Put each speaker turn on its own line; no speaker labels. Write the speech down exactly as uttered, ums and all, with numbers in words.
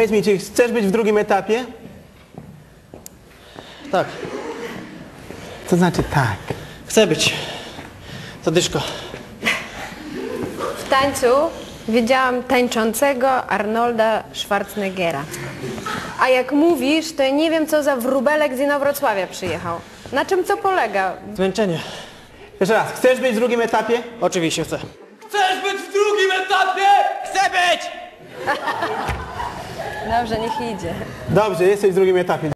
Powiedz mi, czy chcesz być w drugim etapie?
Tak,
To znaczy tak.
chcę być. Zadyszko.
W tańcu widziałam tańczącego Arnolda Schwarzeneggera. A jak mówisz, to ja nie wiem, co za wróbelek z Inowrocławia przyjechał. Na czym to polega?
Zmęczenie.
Jeszcze raz, chcesz być w drugim etapie?
Oczywiście chcę.
Chcesz być w drugim etapie? Chcę być!
Dobrze, niech idzie.
Dobrze, jesteś w drugim etapie.